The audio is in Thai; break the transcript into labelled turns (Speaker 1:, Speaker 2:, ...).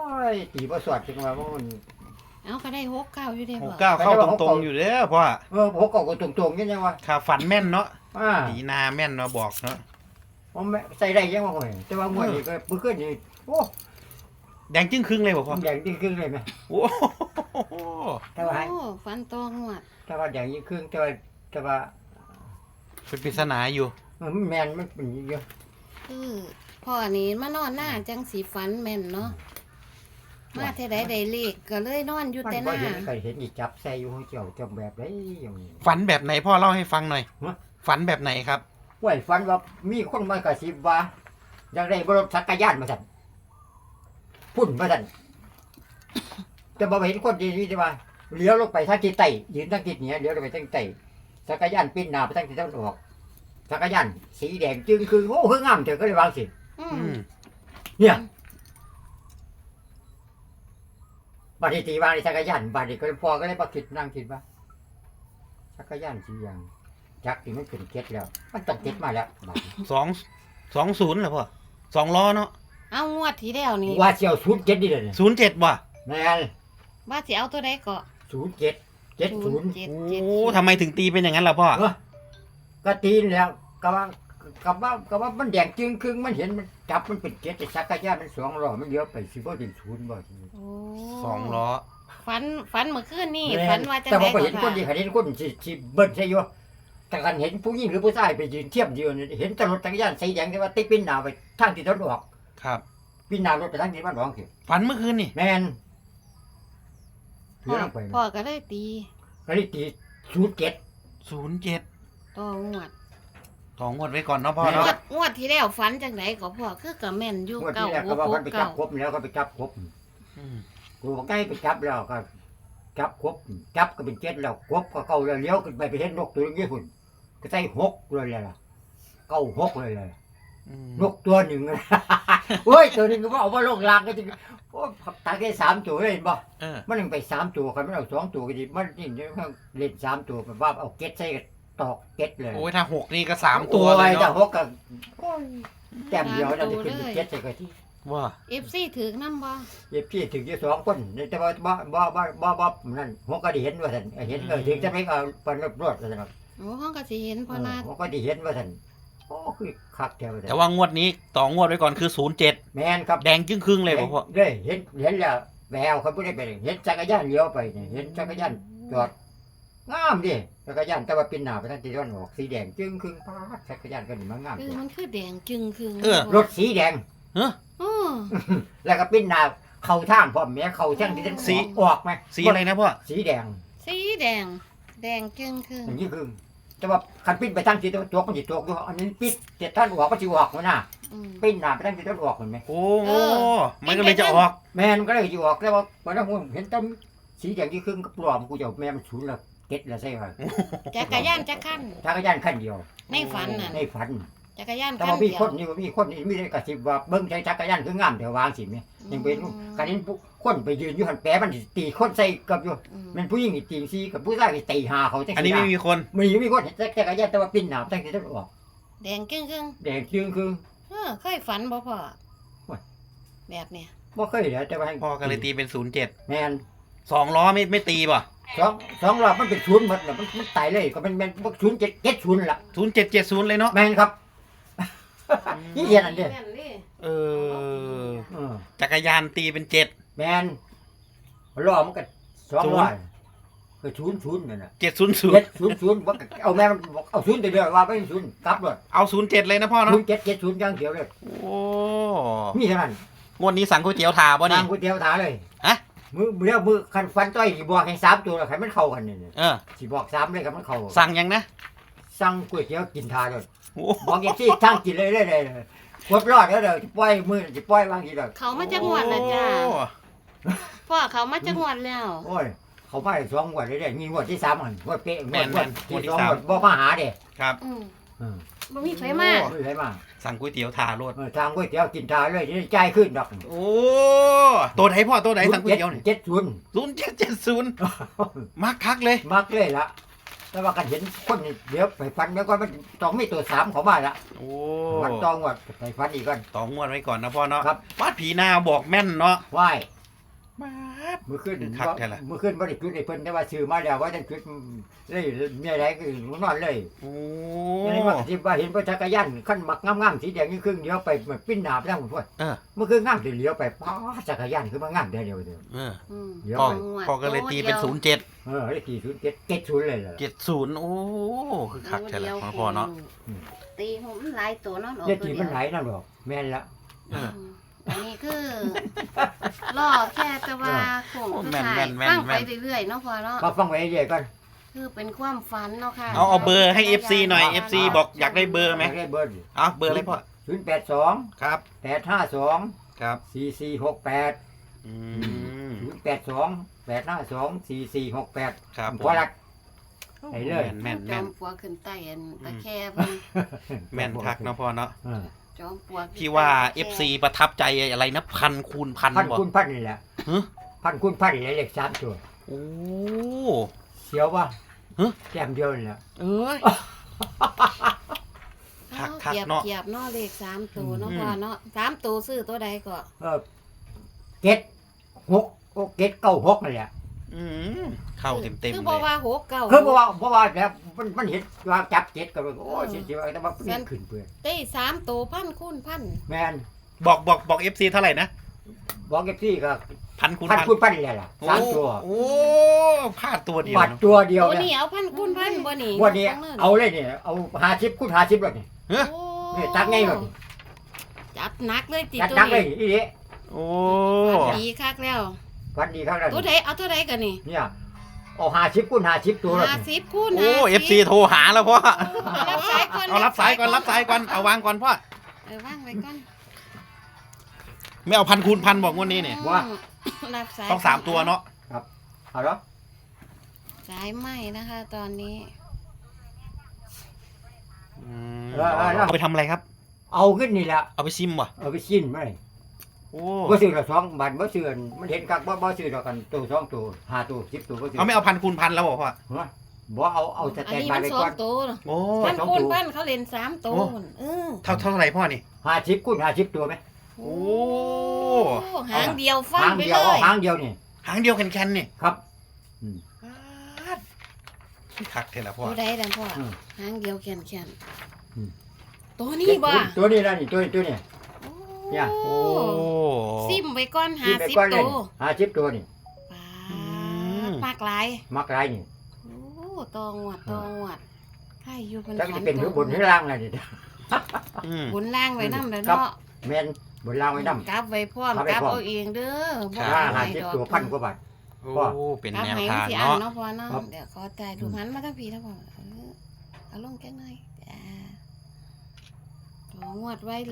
Speaker 1: ยตีบ่สวดจังว่ามัน
Speaker 2: เอาก็ได้69อยู่เด้
Speaker 3: ห
Speaker 2: บ่
Speaker 3: กเก้าเข้าตรงๆอยู่เด้อพ่อ
Speaker 1: หัวเก่าก็ตรงๆยังไงวะ
Speaker 3: ข่าวฝันแม่นเนาะ
Speaker 1: อ่า
Speaker 3: ผีนาแม่นเนาะบอกเนาะ
Speaker 1: ผมใส่ได้ยังว่าโอ้ยแต่ว่างวดนี้ก็เมื่อคืนนี่โอ้
Speaker 3: แดงจึ้งครึ่งเลยบ่พ่อ
Speaker 1: แดงยิ่งครึ่งเลยไหม
Speaker 3: โอ้โห
Speaker 1: แต่ว่า
Speaker 2: โอ้ฟันตองวด
Speaker 1: แดงยิ่งครึ่งแต่ว่า
Speaker 3: เป็นปริศนาอยู่
Speaker 1: แมนมันเป็นเยอะ
Speaker 2: คือพ่อนี่มานอนหน้าจังสีฝันแม่นเนาะมาเท่าใดได้เลขก็เลยนอนอยู่
Speaker 1: มัน
Speaker 2: แต่ห
Speaker 1: บ่
Speaker 2: น้า
Speaker 1: เห็นใครเห็นอีจับใส่อยู่เจ้าจำแบบไรอย่างนี้
Speaker 3: ฝันแบบไหนพ่อเล่าให้ฟังหน่อย
Speaker 1: ฮะ
Speaker 3: ฝันแบบไหนครับ
Speaker 1: ว่าฝันว่ามีคนมากระซิบว่าอยากได้บรถจักรยานมาสั่นพุ่นมาสั่นแต่บ่เห็นคนดีนี่จะว่าเลี้ยวลงไปทางทิศใต้ยืนทางทิศเหนือเลี้ยวลงไปทางใต้จักรยานปิ้นหน้าไปทางทิศตะวันออกจักรยานสีแดงจึงคือโอ้คืองามเถอะก็เลยวางสิ
Speaker 2: อื
Speaker 3: อื
Speaker 2: ม
Speaker 3: ม
Speaker 1: เนี่ยบัดนี้ตีวางในจักรยานบัดนี้ก็เลยพอก็เลยมาคิดนั่งคิดว่าจักรยานสีอย่างจักรที่มันเป็นเก็ดแล้ว มันต้องเก็ดมาแล้วบัดนี้
Speaker 3: 20เหรอพ่อ2 ล้อเนาะ
Speaker 2: เอางวดที่แล้วนี่
Speaker 1: ว่าเสี่ยวศูนย์เจ็ดนี่เลยเนี่ย
Speaker 3: 07ว่ะ
Speaker 1: แม่น
Speaker 2: ว่าสิเอาตัวใดก็
Speaker 1: 07 70
Speaker 3: โอ้ทำไมถึงตีเป็นอย่างนั้นล่ะพ่อ
Speaker 1: ก็ตีนแล้วก็ว่ามันแดงจึงครึ่งมันเห็นมันจับมันเป็นเก็ดแต่จักรยานมัน2 ล้อมันเลี้ยวไปสิบ่เป็นศูนย์บ่ทีนี้
Speaker 2: โอ้
Speaker 3: 2 ล้อ
Speaker 2: ฝันเมื่อคืนนี่
Speaker 1: แม่น
Speaker 2: ฝันว่าจัง
Speaker 1: แต่
Speaker 2: ได
Speaker 1: ว่า
Speaker 2: ก็
Speaker 1: เห็นคนที่เห็นคนสิเบิ้ลใช่อยู่แต่กันเห็นผู้หญิงหรือผู้ชายไปยืนเทียบยืนเห็นแตรถจักรยานสีแดงแต่ว่าติดปิ้นหน้าไปทางที่ตะวันออก
Speaker 3: ครับ
Speaker 1: ปิ้นหน้ารถไปทางที่ตะวันออกสิ
Speaker 3: ฝันเมื่อคืนนี่
Speaker 1: แม่น
Speaker 2: พ่
Speaker 1: เลี้
Speaker 2: อ
Speaker 1: ยวลงไป
Speaker 2: พ่อก็เลยตี
Speaker 1: ก็เลยตี07
Speaker 3: 07
Speaker 2: ต่องวด
Speaker 3: ต่องวดไว้ก่อนเนาะพ่อ
Speaker 2: ง
Speaker 3: เนาะ
Speaker 2: วดงวดที่แล้วฝันจังไดก็พ่อคือก็แม่นอยู่
Speaker 1: งวด
Speaker 2: เก่า
Speaker 1: ที่แรก
Speaker 2: หั
Speaker 1: ก็
Speaker 2: ว
Speaker 1: ว่า
Speaker 2: โป
Speaker 1: มันไปจั
Speaker 2: เก่า
Speaker 1: บครบแล้วก็ไปจับครบ
Speaker 3: อืม
Speaker 1: กูบอกใกล้ไปจับแล้วก็จับครบจับก็เป็น7แล้วครบก็เก่าแล้วเลี้ยวขึ้นไปเห็นนกตัวนึงญี่ปุ่นก็ใส่6เลยล่ะ96เลยล่ะ
Speaker 3: อืม
Speaker 1: นกตัวหนึ่ง โอ้ยตัวหนึงก็ว่าเอามาลงลางก็จริงโอ้ตาแค่3ตัวเลยเห็นบ่
Speaker 3: เออ
Speaker 1: มันยังไป3ตัวกันมันเอา2ตัวก็ดีมันนี่เล่น3ตัวแบบว่าเอาเก็ตใส่กับตอกเก็ตเลย
Speaker 3: โอ้ยถ้า6นี่ก็3ตัวเลย
Speaker 1: โอ้แต่
Speaker 3: เนาะ
Speaker 1: หกก็โอ้ยแต้มเดียวเราจะขึ้นเป็นเก็ตใส่กันที่
Speaker 3: ว่า
Speaker 2: FC ถือนำบ่
Speaker 1: เย็บพี่ถึงจะ2 คนแต่ว่าบ่นั่นหกก็ได้เห็นว่าท่านเห็นถึงจะไม่เอาปนรถว่าท่าน
Speaker 2: โอ้ห้องก็สิเห็นพ่อนาด
Speaker 1: หกก็ได้เห็นว่าท่านโอ้คือคักแถว
Speaker 3: แต่ว่างวดนี้ต่องวดไว้ก่อนคือ07
Speaker 1: แม่นครับ
Speaker 3: แดงจึ้งครึ่งเลยบ่พ่อ
Speaker 1: ได้เห็นแล้วแววเขาไม่ได้ไปเห็นจักรยานเลี้ยวไปเนี่ยเห็นจักรยานจอดงามดิจักรยานแต่ว่าเป็นหน้าไปทางทิศตะวันออกสีแดงจึงครึ่งปาดจักรยานก็นี่มันงาม
Speaker 2: คือมันคือแดงจึงคือ
Speaker 1: รถสีแดง
Speaker 3: เฮ้อ
Speaker 2: อ๋อ
Speaker 1: แล้วก็เป็นหน้าเข้าทางพร้อมแม่เข้าทางที่ตะวัน
Speaker 3: สี
Speaker 1: ออกไหม
Speaker 3: สีอะไรนะพ่อ
Speaker 1: สีแดง
Speaker 2: สีแดง แดงจึงคือ
Speaker 1: อย่างนี้คือแต่ว่าคันปิ้นไปทางทิศตะวันตกมันสิตกอยู่อันนี้ปิ้นทิศตะวันออกก็สิออกมันน่ะ
Speaker 2: อืม
Speaker 1: ปิ้นหน้าไปทางทิศตะวันออกเห็นไหม
Speaker 3: โอ้
Speaker 2: เออ
Speaker 3: มันก็เลยจะออก
Speaker 1: แม่มันก็เลยสิออกแต่ว่าวันนั้นผมเห็นต้นสีแดงที่ครึ่งก็ปลอมกูจะเอาแม่มันศูนย์ละเก็ดละใช่ไหม
Speaker 2: จักรยานจักรคัน
Speaker 1: จักรยานขั้นเดียว
Speaker 2: ในฝันน่ะ
Speaker 1: ในฝัน
Speaker 2: จักรยาน
Speaker 1: แต่
Speaker 2: คัน
Speaker 1: ว่ามี
Speaker 2: เดีย
Speaker 1: คว นนี่มีคนนี่มีได้กระซิบว่าเบิ้งใช้จักรยานคืองามแต่วางสิแม่ยังเป็นการนี้คนไปยืนอยู่หันแปะมันสิตีคนใส่กับอยู่
Speaker 2: อืม
Speaker 1: มันผู้หญิงนี่ตีซีกับผู้ชายนี่ตีหาเขาจัง
Speaker 3: อันนี้ไม่มีคน
Speaker 1: มีคนจักรยานแต่ว่าปิ้นหนาตั้งแต่ต้นออก
Speaker 2: แดงจึงคือ
Speaker 1: แดงจึงคือ
Speaker 2: เคยฝันบ่พ่อ
Speaker 1: โอ้ย
Speaker 2: แบบเนี้ย
Speaker 1: บ่เคยเหลือแต่ว่า
Speaker 3: พ่อก็เลยตีเป็น
Speaker 1: แ
Speaker 3: 07
Speaker 1: ม่น
Speaker 3: 2 ล้อไม่ตีป่ะ
Speaker 1: สองรอบมันเป็นศูนย์หมดน่ะมันตายเลยก็มันศูนย์เจ็ดศูนย์ละ
Speaker 3: 0770เลยเนาะ
Speaker 1: แม่นครับ นี่เรียนอันเดียว
Speaker 2: แม่เด้
Speaker 3: เออ
Speaker 1: เออ
Speaker 3: จักรยานตีเป็น7
Speaker 1: แมนรอมันก็200ก็ศูนย์นั่นน่ะ
Speaker 3: 700
Speaker 1: เจ็ดศูนย์ว่าเอาแม่มันบอกเอาศูนย์เดียวว่าไม่ศูนย์กลับเลย
Speaker 3: เอา07เลยนะพ่อเนาะ
Speaker 1: 07อย่างเดียวเลย
Speaker 3: โอ้
Speaker 1: มีเท่านั้น
Speaker 3: งวดนี้สั่งก๋วยเตี๋ยวถาบ่นี่
Speaker 1: ทางก๋วยเตี๋ยวถาเลย
Speaker 3: ฮะ
Speaker 1: มือคันฟันต้อยสิบอกให้3ตัวแล้วให้มันเข้ากันนี่
Speaker 3: เออ
Speaker 1: สิบอก3เลยครับมันเข้า
Speaker 3: สั่งยังนะ
Speaker 1: สั่งก๋วยเตี๋ยวกินทาเลย
Speaker 3: โอ้
Speaker 1: บอกอย่างที่ทางกินเลยกดรอดแล้วเดี๋ยวสิปล่อยมือสิปล่อยวางทีเดียว
Speaker 2: เขามาจังหวัดละจ้า
Speaker 3: โอ้
Speaker 2: พ่อเขามาจังหวัดแล้ว
Speaker 1: โอ้ยเขามาได้2งวดเลยเด้มีงวดที่3อันงวดเป๊ะงวดที่2งวดบ่มาหาเด้
Speaker 3: ครับ
Speaker 2: อืม
Speaker 1: อืม
Speaker 2: บ่มีไฟมา
Speaker 1: ไม่ใช่มา
Speaker 3: สั่งก๋วยเตี๋ยวถาโลด
Speaker 1: ทางก๋วยเตี๋ยวกินทาเลยนี่จ่ายขึ้นดอก
Speaker 3: โอ้ตัวไหนพ่อตัวไหนสั่งก๋วยเตี๋ยวนี่
Speaker 1: 70
Speaker 3: มักคักเลย
Speaker 1: มักเลยละแต่ว่ากันเห็นคนนี่เดี๋ยวไปฟันแล้วก็มันต้องมีตัว3เขามาละ
Speaker 3: โอ้
Speaker 1: มันต้องว่าไปฟันอีกก่อน
Speaker 3: ต่องวดไว้ก่อนนะพ่อเนาะ
Speaker 1: ครับ
Speaker 3: วาดผีนาบอกแม่นเนาะ
Speaker 1: ไหว้
Speaker 3: มาด
Speaker 1: มื้อคืน
Speaker 3: คือคักแท้ล่ะ
Speaker 1: มื้อคืนบ่ได้จุดให้เพิ่นแต่ว่าซื้อมาแล้วว่าจะจุดเลยมีอะไรก็นอนเลย
Speaker 3: โอ้
Speaker 1: ยังไงว่าสิว่าเห็นรถจักรยานคันบักงามๆสีแดงนี่ครึ่งเดียวไปมันปิ้นหน้าไปทางพุ่น เมื่อคืนงามสิเลี้ยวไปป้าจักรยานคือมางามเดียวเดียว
Speaker 3: เออ
Speaker 2: อืม
Speaker 1: เดี๋ยว
Speaker 3: พ่อ
Speaker 1: ไป
Speaker 3: พ่อก็เลยตีเป็น07
Speaker 1: ได้กี่ศูนย์เจ็ดศูนย์เลยล่ะ
Speaker 3: 70โอ้คือคักแท้ละของพ่อเนาะ
Speaker 2: ตีผมหลายตัวเนาะ
Speaker 1: เด็กที่มันไหลนั่นหรอกแม่นละ
Speaker 3: เออ
Speaker 2: อันนี้คือล่อแค่จะว่าคงคือถ่ายตั้งไปเรื่อยๆเนาะพอเนาะ
Speaker 1: มาฟังไว้เรื่อยๆก่อน
Speaker 2: คือเป็นความฝันเนาะค่ะ
Speaker 3: เอาเบอร์ให้ FC หน่อย FC บอกอยากได้เบอร์ไหม
Speaker 1: ได้เบอร์
Speaker 3: เอาเบอร์อะไรพ่อ
Speaker 1: 082
Speaker 3: ครับ
Speaker 1: 852
Speaker 3: ครับ
Speaker 1: 4468
Speaker 3: อืม
Speaker 1: 082 852 4468
Speaker 3: ครับ
Speaker 1: พอละให้เลย
Speaker 3: แม่น
Speaker 2: จ
Speaker 3: แม่
Speaker 2: อน มปลวกขึ้นใต้อันตะแคบเพิ่น
Speaker 3: แม่นคักเนาะพ่อเนาะ
Speaker 1: เออ
Speaker 2: จอมปลวก
Speaker 3: พี่ว่า FC ประทับใจอะไรนะ1,000 คูณ 1,000
Speaker 1: พัน
Speaker 3: บ่
Speaker 1: คูณพันนี่แหละ
Speaker 3: ฮะ
Speaker 1: พันคูณพันนี่แหละเลข3ตัว
Speaker 3: โอ้
Speaker 1: เสียวว่า
Speaker 3: ฮะ
Speaker 1: แต้มเดียวนี่แหละ
Speaker 3: เอ้ย คัก
Speaker 2: เกียบ
Speaker 3: เนาะ
Speaker 2: เกียบเนาะเลข3ตัวเนาะ
Speaker 3: อืม
Speaker 2: พอเนาะ3ตัวซื้อตัวใดก็
Speaker 1: เก็ด6เก็ด96นั่นแหละ
Speaker 3: อืมเข้าเต็ม
Speaker 2: คือ
Speaker 3: ๆ
Speaker 2: บ่
Speaker 3: เลย
Speaker 2: ว่า6เก้า
Speaker 1: คือเพราะว่าแบบมันเห็นว่าจับเก็ดก็เลยโอ้ยสิว่าแต่ว่ามันขึ้นเปื่อย
Speaker 2: ได้3ตัวพันคูณพัน
Speaker 1: แม่น
Speaker 3: บอก FC เท่าไหร่นะ
Speaker 1: บอกเก็บที่ก็
Speaker 3: 1,000 คูณ
Speaker 1: พัน
Speaker 3: 1,000
Speaker 1: คูณพันนี่แหละสามตัว
Speaker 3: โอ้พลาดตัวเดียว
Speaker 1: บาท
Speaker 3: เนอะ
Speaker 1: ตัวเดียว
Speaker 2: ตัว
Speaker 1: เนี่
Speaker 2: นี้
Speaker 1: ย
Speaker 2: เอาพันคูณพันบ่นี่
Speaker 1: วันนี้เอาเลยเนี่ยเอา50คูณ50เลยนี่
Speaker 3: เฮ้ย
Speaker 2: โอ้
Speaker 1: นี่ตักไงเลย
Speaker 2: จัดหนักเลยติ
Speaker 1: จัด
Speaker 2: ตัว
Speaker 1: นักเลย
Speaker 2: นี้
Speaker 1: อีนี่
Speaker 3: โอ้
Speaker 2: ดีคักแล้ว
Speaker 1: วันดีครับนั่น
Speaker 2: ตัวใดเอาตัวใดกันนี่
Speaker 1: เนี่ยเอา50คูณ50ตัวเลย
Speaker 2: 50คูณ
Speaker 3: โอ้
Speaker 2: 50
Speaker 3: FC โทรหาแล้วพ่อ
Speaker 2: รับสายก่อน
Speaker 3: เอารับสายก่อนเอาวางก่อนพ่อ
Speaker 2: วางไว้ก่อน
Speaker 3: ไม่เอา1,000 คูณ 1,000บอกงวดนี้เนี่ย
Speaker 1: ว่า
Speaker 2: รับสาย
Speaker 3: ต้อง3ตัวเนาะ
Speaker 1: เอาเหรอ
Speaker 2: สายไหมนะคะ ตอนนี้
Speaker 3: เอาไปทำอะไรครับ
Speaker 1: เอาขึ้นนี่แหละ
Speaker 3: เอาไปซิมวะ
Speaker 1: เอาไปชิ้นมาเลย
Speaker 3: โอ้
Speaker 1: บ่ซื้อละ2บาทบ่ซื้อมันเห็นกักบ่ซื้อดอกกันตัว2ตัว5ตัว10ตัวบ่ซื้อ
Speaker 3: เอาไม่เอา1,000 คูณ 1,000แล้วบอกพ่อ
Speaker 1: บ่เอาส
Speaker 2: อัน
Speaker 1: แตน
Speaker 2: นี้
Speaker 1: บา
Speaker 2: มั
Speaker 1: ย
Speaker 2: น
Speaker 1: ไว้
Speaker 2: สอ
Speaker 1: ก่อง น
Speaker 2: ตัว
Speaker 3: โอ้
Speaker 2: พัน
Speaker 1: สอง
Speaker 2: คูณ
Speaker 1: ตัว
Speaker 2: พันเขาเล่น3ตัว
Speaker 3: เท่าไหร่พ่อนี่
Speaker 1: 50คูณ50ตัวไหม
Speaker 3: โอ้
Speaker 2: หางเดียวฟัน
Speaker 1: หาง
Speaker 2: ไป
Speaker 1: เดี
Speaker 2: เล
Speaker 1: ยวเอา
Speaker 2: ย
Speaker 1: หางเดียวนี่
Speaker 3: หางเดียวแคนๆนี่
Speaker 1: ครับ
Speaker 3: คักเท่าละพ่อ
Speaker 2: ตัวใดดังพ่อ
Speaker 1: อืม
Speaker 2: หางเดียวแข็ง
Speaker 1: อืม
Speaker 2: ๆตัวนี้บ่
Speaker 1: ตัวนี้นะนี่ตัวนี้ เนี่ย
Speaker 3: โอ้
Speaker 2: ซิมไว้ก่อน
Speaker 1: กินไปก้อน
Speaker 2: 50
Speaker 1: เล
Speaker 2: ตั
Speaker 1: ยว 50ตัวนี่
Speaker 2: ปา
Speaker 3: อืม
Speaker 2: ดมากหลาย
Speaker 1: มักหลายนี่
Speaker 2: โอ้ตองหวดใครอยู่เป็น
Speaker 1: จักจะเป็นหรือบนหรือล่างล่ะนี่
Speaker 3: อืม
Speaker 2: บนล่างไว้นำเด้อ
Speaker 1: ครับ
Speaker 2: เนาะ
Speaker 1: แม่นบนล่างไว้นำ
Speaker 2: กลับไว้พร้อม
Speaker 1: กลับไว้
Speaker 2: กลับ
Speaker 1: พร้อม
Speaker 2: เอาเองเด้อบ่
Speaker 3: ครั
Speaker 2: เอา
Speaker 3: บ
Speaker 2: ให้ดอก
Speaker 1: 50ตัวพันกว่าบาท
Speaker 3: โอ้เป็น
Speaker 2: กลับ
Speaker 3: แนว
Speaker 2: ให้
Speaker 3: ทาง
Speaker 2: สิอัน
Speaker 3: เนาะ
Speaker 2: เนาะพ่อเนาะ
Speaker 1: ครับ
Speaker 2: เดี๋ยวขอจ่ายถูกหันมาทั้งพี่ทั้งพ่อเอาลงแค่หน่อยจ้าตัวงวดไว้